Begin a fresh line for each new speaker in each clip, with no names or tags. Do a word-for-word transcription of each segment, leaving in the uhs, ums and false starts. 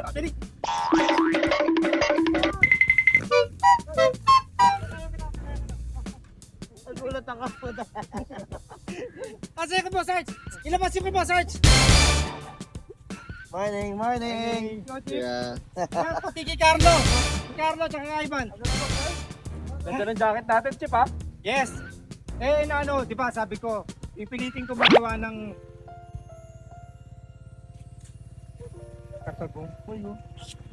Dali.
Nagulat ako.
Kasi ko po, Sarge. Ilabas yung ko po, Sarge.
Morning, morning.
Yeah.
Yan po, Tiki Carlo. Carlo, tsaka kay Ivan.
Ganda ng jacket natin, Chip, ha?
Yes. Eh, na ano, di ba, sabi ko, ipilitin ko magawa ng katabong. Uy, oh.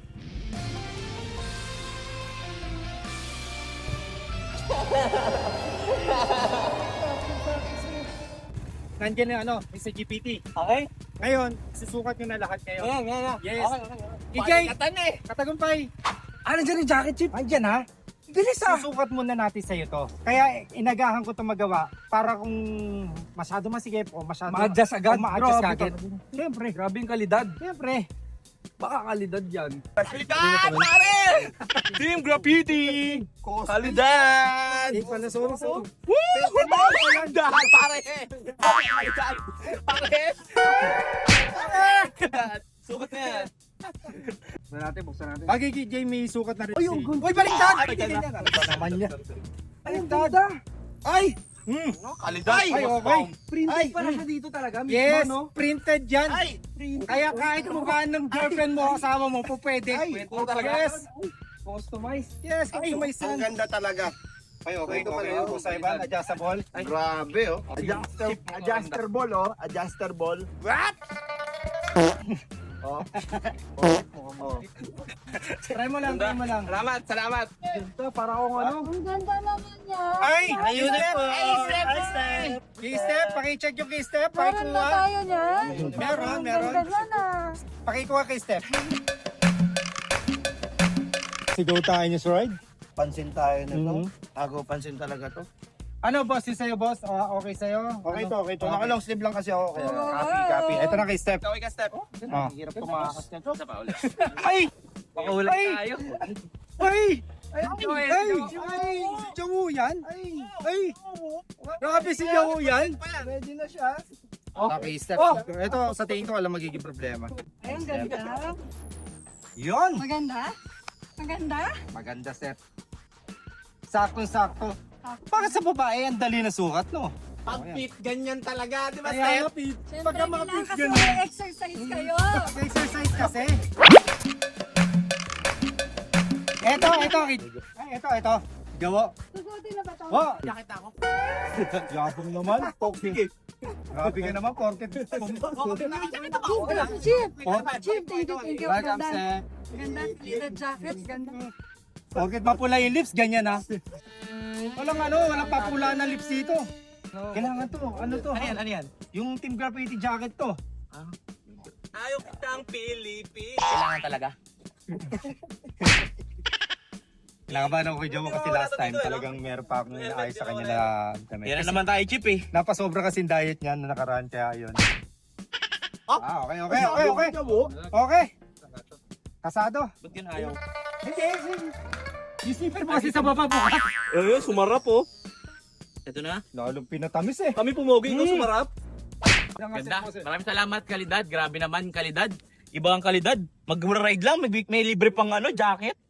Nandiyan na ano, Mister G P T.
Okay.
Ngayon, susukat nyo na lahat ngayon.
Ayan, ayan, ayan.
Yes.
Okay, okay, okay.
Ikay,
Palikatan eh.
Katagumpay.
Ah, nandiyan yung jacket, Chip.
Andyan ha.
Bilis ah.
Susukat muna natin sa'yo to. Kaya inagahan ko ito magawa para kung masyado masigip o masyado
Ma-adjust agad.
o ma-adjust
Grabe
agad.
talaga.
Siyempre,
Grabe yung kalidad.
siyempre.
Baka kalidad yan. Kalidad, pare! Team Graffiti! Kalidad!
Eh, pala, sorry, sorry.
Woo! Kalidad, pare! Kalidad, pare! Kalidad! Sukat na yan. Buksan natin, buksan natin.
Bagay kay Jay, may sukat na rin.
Ay, ang
si-
ganda.
Uy, baliktad!
Ay,
Baliktad!
ganda.
Ano ba naman niya?
Ay, ang ganda!
Ay! Hmm.
Kalidad!
Ay, okay.
Printed
Ay,
pala
mm.
siya dito talaga. Mismo,
Yes,
no?
printed yan.
Ay! Printed.
Kaya kahit mukhaan ng girlfriend mo, kasama mo, po pwede.
Pwede talaga.
Yes.
Customized.
Yes,
Ay,
customize
ang
yan.
ganda talaga.
Ay, okay,
Ito pala
okay.
yun.
Ako sa iba, adjustable.
Grabe oh. Adjuster, adjuster ball oh. Adjuster ball.
What?
Oh. Oh.
Try mo lang, try mo lang.
Salamat, salamat.
Ito, para akong ano.
Ang ganda naman niya.
Ay!
Ayun
Key step!
Ay, step! Ay, step!
Key step! Pakicheck yung key step.
Meron na
Pakikuha.
tayo niyan.
Meron,
Ang
meron.
ganda niyan ah.
Pakikuha key step. Sigaw tayo niyo, Sir Ride.
Pansin tayo nito.
Mhm.
Ako, pansin talaga to.
Ano, boss? Yung sa'yo, boss? Ah, okay sa'yo?
Okay
Ano?
to, okay to. Naka-long sleeve lang kasi ako. Kaya
Copy, copy. Ito na key step.
Kaway ka step.
Ah.
hirap tumakas nito.
Isa pa ulit.
Ay!
Pakaulit
Ay!
tayo.
Ay!
Ay,
Ay! Ay! Si Jawu yan? Ay! Ay! Grabe si Jawu yan?
Ready na siya.
Okay, step.
Oh!
Ito, sa tingin ko, alam magiging problema.
Ay, ang ganda.
Yun!
Maganda? Maganda?
Maganda, step. Sakto-sakto. Bakit sa babae, ang dali na sukat, no?
Pag fit, ganyan talaga, di ba,
Kaya nga,
step?
Pete.
Siyempre,
Pagka mga
kailangan
Pete
kasi
ganun.
may exercise kayo.
Exercise kasi. Eto, eto. Ay, eto, eto. Gawa.
Susutin na ba ito?
Oh,
Jakit ako.
yabang naman. Toxic eh. Grabe ka naman, porket.
Nakajakit ako.
Chip!
Oh,
Chip, thank you, thank you.
welcome,
Ganda.
sir.
Ganda, leather jacket, ganda.
Porket mapula yung lips, ganyan ha. Walang ano, walang papula ng lips dito. Kailangan to, ano to?
Ano yan, ano yan?
Yung Team Graffiti jacket to.
Ayaw kitang Pilipin. Kailangan talaga.
Kailangan ba ako kay Jomo kasi last time talagang meron pa akong inaayos sa kanya na damit.
Yan na
Kasi
naman tayo, Chip eh.
napasobra kasi yung diet niya na nakaraan kaya yun. Ah, okay, okay, okay, okay. Okay. Kasado.
Ba't yun ayaw?
Hindi, yung slipper mo kasi sa baba bukas.
Eh, sumarap oh. Ito na.
Lalong pinatamis eh.
Kami pumogi, ikaw
Hmm.
sumarap. Ganda. Maraming salamat, kalidad. Grabe naman, kalidad. Iba ang kalidad. Mag-ride lang, may, may libre pang ano, jacket.